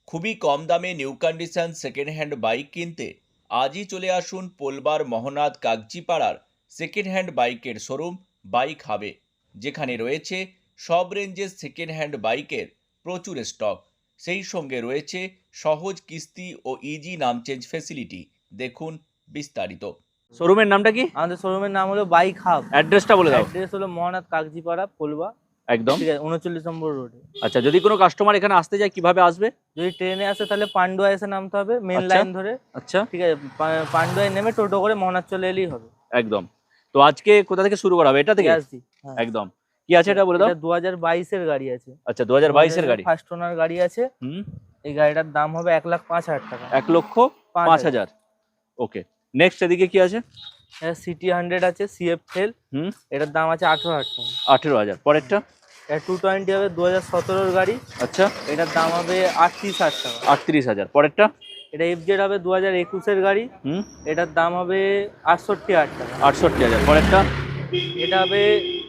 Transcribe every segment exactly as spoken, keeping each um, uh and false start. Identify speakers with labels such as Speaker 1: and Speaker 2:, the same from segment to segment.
Speaker 1: খুবই কম দামে new condition second hand bike কিনতে আজই চলে আসুন পোলবার মহনাদ কাগজিপাড়ার সেকেন্ড হ্যান্ড বাইকের শোরুম বাইক হাবে, যেখানে রয়েছে সব রেঞ্জের সেকেন্ড হ্যান্ড বাইকের প্রচুর স্টক। সেই সঙ্গে রয়েছে সহজ কিস্তি ও ইজি নাম চেঞ্জ ফেসিলিটি। দেখুন বিস্তারিত। শোরুমের নামটা কি?
Speaker 2: আমাদের শোরুমের নাম হলো বাইক হাব।
Speaker 1: অ্যাড্রেসটা বলে দাও।
Speaker 2: অ্যাড্রেস হলো মহানাদ কাগজিপাড়া, পোলবা।
Speaker 1: একদম।
Speaker 2: ঠিক আছে, উনচল্লিশ নম্বর রোডে।
Speaker 1: আচ্ছা, যদি কোনো কাস্টমার এখানে আসতে চায় কিভাবে আসবে?
Speaker 2: যদি ট্রেনে আসে তাহলে পান্ডুয়া এসে নামতে হবে মেন
Speaker 1: আচ্ছা।
Speaker 2: লাইন ধরে।
Speaker 1: আচ্ছা,
Speaker 2: ঠিক আছে, পা- পান্ডুয়ায় নেমে টোটো করে মহানাদ চলে এলেই হবে।
Speaker 1: একদম। তো আজকে কোথা থেকে শুরু করা হবে? এটা থেকে?
Speaker 2: ইয়াসদি, হ্যাঁ।
Speaker 1: একদম। কি আছে এটা বলে দাও।
Speaker 2: এটা দু হাজার বাইশের গাড়ি আছে।
Speaker 1: আচ্ছা, দু হাজার বাইশের গাড়ি।
Speaker 2: ফার্স্ট ওনার গাড়ি আছে।
Speaker 1: হুম।
Speaker 2: এই গাড়িটার দাম হবে এক লাখ পাঁচ হাজার টাকা।
Speaker 1: এক লক্ষ পাঁচ হাজার। ওকে, নেক্সট এদিকে কি আছে?
Speaker 2: এটা সিটি হান্ড্রেড আছে, সিএফ টেল।
Speaker 1: হুম।
Speaker 2: এটার দাম আছে আঠেরো হাজার টাকা।
Speaker 1: আঠেরো হাজার। পরেরটা?
Speaker 2: এটা টু টোয়েন্টি হবে, দু হাজার সতেরোর গাড়ি।
Speaker 1: আচ্ছা,
Speaker 2: এটার দাম হবে আটত্রিশ হাজার টাকা।
Speaker 1: আটত্রিশ হাজার। পরেরটা?
Speaker 2: এটা এফজেড হবে, দু হাজার একুশের গাড়ি।
Speaker 1: হুম।
Speaker 2: এটার দাম হবে আটষট্টি হাজার টাকা।
Speaker 1: আটষট্টি হাজার। পরেরটা?
Speaker 2: এটা হবে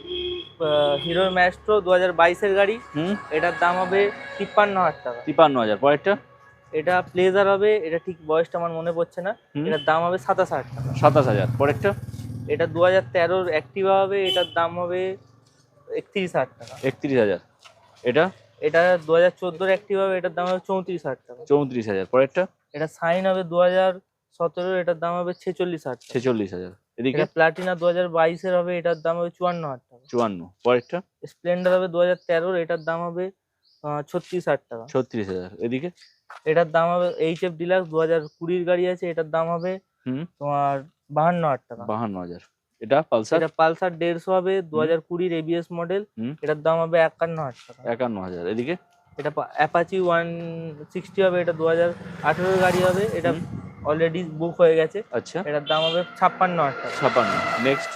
Speaker 2: হিরো ম্যাস্ট্রো, দু হাজার বাইশের গাড়ি।
Speaker 1: হুম।
Speaker 2: এটার দাম হবে তিপ্পান্ন হাজার টাকা।
Speaker 1: তিপান্ন হাজার। পরেরটা?
Speaker 2: এটা প্লেজার হবে, এটা ঠিক বয়সটা আমার মনে পড়ছে না।
Speaker 1: হুম।
Speaker 2: এটার দাম হবে সাতাশ হাজার টাকা।
Speaker 1: সাতাশ হাজার। পরেরটা?
Speaker 2: এটা দু হাজার তেরোর অ্যাক্টিভা হবে, এটার দাম হবে একত্রিশ হাজার টাকা।
Speaker 1: একত্রিশ হাজার। এটা?
Speaker 2: এটা দু হাজার চোদ্দোর অ্যাক্টিভা হবে, এটার দাম হবে চৌত্রিশ হাজার টাকা।
Speaker 1: চৌত্রিশ হাজার। পরেরটা?
Speaker 2: এটা সাইন হবে দু হাজার সতেরো, এটার দাম হবে ছেচল্লিশ হাজার টাকা।
Speaker 1: ছেচল্লিশ হাজার। এদিকে?
Speaker 2: এটা প্লাটিনা দু হাজার বাইশের হবে, এটার দাম হবে চুয়ান্ন হাজার টাকা।
Speaker 1: চুয়ান্ন। পরেরটা?
Speaker 2: স্প্লেন্ডার হবে দু হাজার তেরোর, এটার দাম হবে ছত্রিশ হাজার টাকা।
Speaker 1: ছত্রিশ হাজার। এদিকে?
Speaker 2: এটার দাম হবে এইচ এফ ডিলাক্স, দু হাজার কুড়ির গাড়ি আছে, এটার দাম হবে
Speaker 1: হুম।
Speaker 2: তোমার বাহান্ন হাজার টাকা।
Speaker 1: বাহান্ন হাজার। এটা পালসার?
Speaker 2: এটা পালসার দেড়শো হবে, দু হাজার কুড়ির এবিএস মডেল।
Speaker 1: হুম।
Speaker 2: এটার দাম হবে একান্ন হাজার টাকা।
Speaker 1: একান্ন হাজার। এদিকে?
Speaker 2: এটা অ্যাপাচি ওয়ান সিক্সটি হবে, এটা দু হাজার আঠেরোর গাড়ি হবে। এটা অলরেডি বুক হয়ে গেছে।
Speaker 1: আচ্ছা,
Speaker 2: এটার দাম হবে ছাপ্পান্ন হাজার টাকা।
Speaker 1: ছাপান্ন। নেক্সট?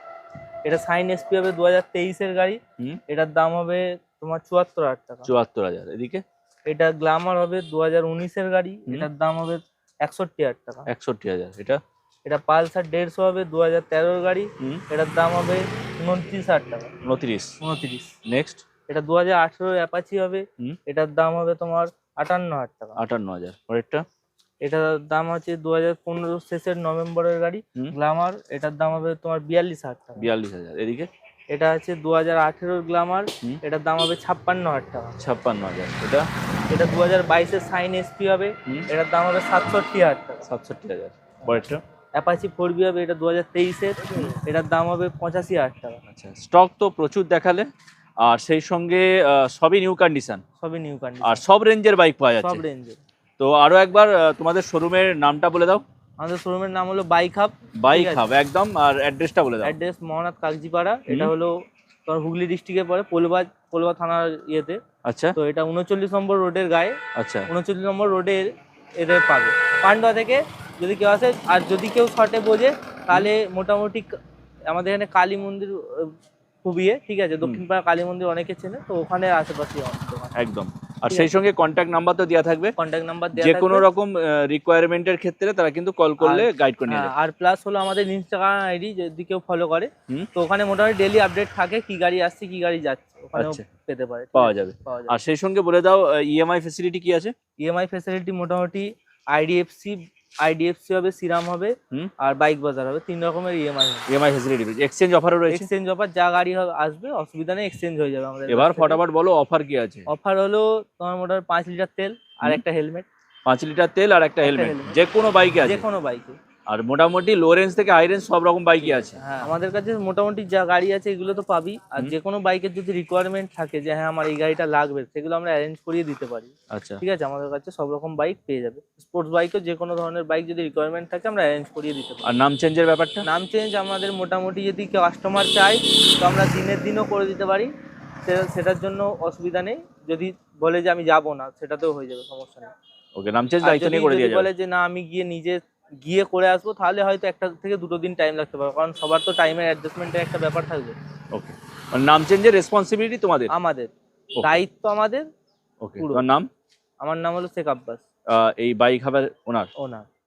Speaker 2: এটা সাইন এসপি হবে, দু হাজার তেইশের গাড়ি।
Speaker 1: হুম।
Speaker 2: এটার দাম হবে তোমার চুয়াত্তর হাজার টাকা।
Speaker 1: চুয়াত্তর হাজার। এদিকে?
Speaker 2: এটা গ্ল্যামার হবে, দু হাজার উনিশের গাড়ি।
Speaker 1: হুম।
Speaker 2: এটার দাম হবে একষট্টি হাজার টাকা।
Speaker 1: একষট্টি হাজার। এটা?
Speaker 2: এটা পালসার দেড়শো হবে, দু হাজার তেরোর গাড়ি।
Speaker 1: হুম।
Speaker 2: এটার দাম হবে উনত্রিশ হাজার টাকা।
Speaker 1: উনত্রিশ।
Speaker 2: উনত্রিশ।
Speaker 1: নেক্সট?
Speaker 2: এটা দু হাজার আঠেরোর অ্যাপাচি হবে।
Speaker 1: হুম।
Speaker 2: এটার দাম হবে তোমার আটান্ন হাজার টাকা।
Speaker 1: আটান্ন হাজার। পরেরটা?
Speaker 2: এটার দাম আছে দু হাজার পনেরো শেষের নভেম্বরের গাড়ি,
Speaker 1: হুম।
Speaker 2: গ্ল্যামার। এটার দাম হবে তোমার বিয়াল্লিশ হাজার টাকা।
Speaker 1: বিয়াল্লিশ হাজার। এদিকে?
Speaker 2: এটা আছে দু হাজার আঠেরোর গ্ল্যামার।
Speaker 1: হুম।
Speaker 2: এটার দাম হবে ছাপ্পান্ন হাজার টাকা।
Speaker 1: ছাপ্পান্ন হাজার। এটা?
Speaker 2: এটা দু হাজার বাইশের সাইন এসপি হবে।
Speaker 1: হুম।
Speaker 2: এটার দাম হবে সাতষট্টি হাজার টাকা।
Speaker 1: সাতষট্টি হাজার। পরেরটা?
Speaker 2: অ্যাপাচি ফোর বি হবে, এটা দু হাজার তেইশের। এটার দাম হবে পঁচাশি হাজার টাকা।
Speaker 1: আচ্ছা, স্টক তো প্রচুর দেখালে, আর সেই সঙ্গে আহ, সবই নিউ কন্ডিশন,
Speaker 2: সবই নিউ
Speaker 1: আর
Speaker 2: কন্ডিশন,
Speaker 1: সব রেঞ্জের বাইক পাওয়া
Speaker 2: সব
Speaker 1: যাচ্ছে।
Speaker 2: রেঞ্জের।
Speaker 1: তো আরো একবার আহ, তোমাদের শোরুমের নামটা বলে দাও।
Speaker 2: আমাদের শোরুমের নাম হলো বাইক হাব।
Speaker 1: বাইক হাব, একদম। আর অ্যাড্রেসটা বলে দাও।
Speaker 2: অ্যাড্রেস মহানাদ কাগজিপাড়া। এটা
Speaker 1: হুম।
Speaker 2: হলো তোমার হুগলি ডিস্ট্রিক্টে পড়ে, পোলবা পোলবা থানার ইয়েতে।
Speaker 1: আচ্ছা,
Speaker 2: তো এটা উনচল্লিশ নম্বর রোডের গায়ে।
Speaker 1: আচ্ছা,
Speaker 2: উনচল্লিশ নম্বর রোডে এদের পাবে পান্ডুয়া থেকে যদি কেউ আসে। আর যদি কেউ শর্টে বোঝে তাহলে মোটামুটি ক- আমাদের এখানে কালী মন্দির আহ, খুবই ইয়ে, ঠিক আছে, দক্ষিণ পাড়া কালী মন্দির অনেকে চেনে, তো ওখানে আশেপাশে
Speaker 1: একদম। আর
Speaker 2: ঠিক
Speaker 1: সেই
Speaker 2: আছে।
Speaker 1: সঙ্গে কন্ট্যাক্ট নাম্বার তো দেওয়া থাকবে,
Speaker 2: কন্ট্যাক্ট নাম্বার
Speaker 1: যে
Speaker 2: দেওয়া
Speaker 1: কোনো
Speaker 2: থাকবে।
Speaker 1: রকম রিকোয়ারমেন্টের ক্ষেত্রে তারা কিন্তু কল করলে
Speaker 2: আর-
Speaker 1: গাইড করে নিয়ে
Speaker 2: হ্যাঁ,
Speaker 1: যাবে।
Speaker 2: আর প্লাস হলো আমাদের ইনস্টাগ্রাম আইডি যদি কেউ ফলো করে,
Speaker 1: হুম।
Speaker 2: তো ওখানে মোটামুটি ডেলি আপডেট থাকে, কি গাড়ি আসছে কি গাড়ি যাচ্ছে, ওখানেও
Speaker 1: আচ্ছা,
Speaker 2: পেতে পারে, ঠিক
Speaker 1: পাওয়া
Speaker 2: আছে?
Speaker 1: যাবে।
Speaker 2: পাওয়া
Speaker 1: আর
Speaker 2: যাবে।
Speaker 1: সেই সঙ্গে বলে দাও ইএমআই ফেসিলিটি কি আছে?
Speaker 2: ইএমআই ফ্যাসিলিটি মোটামুটি আইডিএফসি আইডিএফসি হবে, সিরাম হবে,
Speaker 1: হুম।
Speaker 2: আর বাইক বাজার হবে, তিন রকমের ইএমআই হবে।
Speaker 1: ইএমআই ফেসিলিটি রয়েছে, এক্সচেঞ্জ অফারও রয়েছে।
Speaker 2: এক্সচেঞ্জ অফার, যা গাড়ি হবে আসবে অসুবিধা নেই, এক্সচেঞ্জ হয়ে যাবে আমাদের।
Speaker 1: এবার ফটাফট বলো অফার কি আছে।
Speaker 2: অফার হলো তোমার মোটামুটি পাঁচ লিটার তেল আর
Speaker 1: হুম।
Speaker 2: একটা হেলমেট।
Speaker 1: পাঁচ লিটার তেল আর একটা
Speaker 2: একটা
Speaker 1: হেলমেট,
Speaker 2: helmet।
Speaker 1: যে কোনো বাইকে আছে।
Speaker 2: যে কোনো বাইকে।
Speaker 1: আর মোটামুটি লো রেঞ্জ থেকে হাই রেঞ্জ সব রকম বাইকই আছে।
Speaker 2: হ্যাঁ, আমাদের কাছে মোটামুটি যা গাড়ি আছে এগুলো তো পাবি। আর
Speaker 1: হুম।
Speaker 2: যে কোনো বাইকের যদি রিকোয়ারমেন্ট থাকে যে হ্যাঁ আমার এই গাড়িটা লাগবে, সেগুলো আমরা অ্যারেঞ্জ করিয়ে দিতে পারি।
Speaker 1: আচ্ছা,
Speaker 2: ঠিক আছে, আমাদের কাছে সব রকম বাইক পেয়ে যাবে। স্পোর্টস বাইকও যে কোনো ধরনের বাইক যদি রিকোয়ারমেন্ট থাকে আমরা অ্যারেঞ্জ করিয়ে দিতে পারি।
Speaker 1: আর নাম চেঞ্জের ব্যাপারটা?
Speaker 2: নাম চেঞ্জ আমাদের মোটামুটি যদি কাস্টমার চায় তো আমরা দিনের দিনও করে দিতে পারি, সে- সেটার জন্য অসুবিধা নেই। যদি বলে যে আমি যাব না, সেটাতেও হয়ে যাবে, সমস্যা নেই।
Speaker 1: ওকে, নাম চেঞ্জ
Speaker 2: আর
Speaker 1: দায়িত্ব
Speaker 2: যদি
Speaker 1: নিয়ে করে
Speaker 2: যদি
Speaker 1: দিয়ে যাবে।
Speaker 2: বলে যে না আমি গিয়ে নিজে গিয়ে করে আসবো, তাহলে হয়তো একটা থেকে দুটো দিন টাইম লাগতে পারে, কারণ সবার তো টাইমের অ্যাডজাস্টমেন্টের একটা ব্যাপার থাকবে।
Speaker 1: ওকে, মানে নাম চেঞ্জের রেসপন্সিবিলিটি তোমাদের?
Speaker 2: আমাদের
Speaker 1: Okay.
Speaker 2: দায়িত্ব আমাদের
Speaker 1: ওকে,
Speaker 2: পুরো।
Speaker 1: তোমার নাম?
Speaker 2: আমার নাম হলো শেখ আব্বাস,
Speaker 1: আহ, এই বাইক হাবের ওনার।
Speaker 2: ওনার।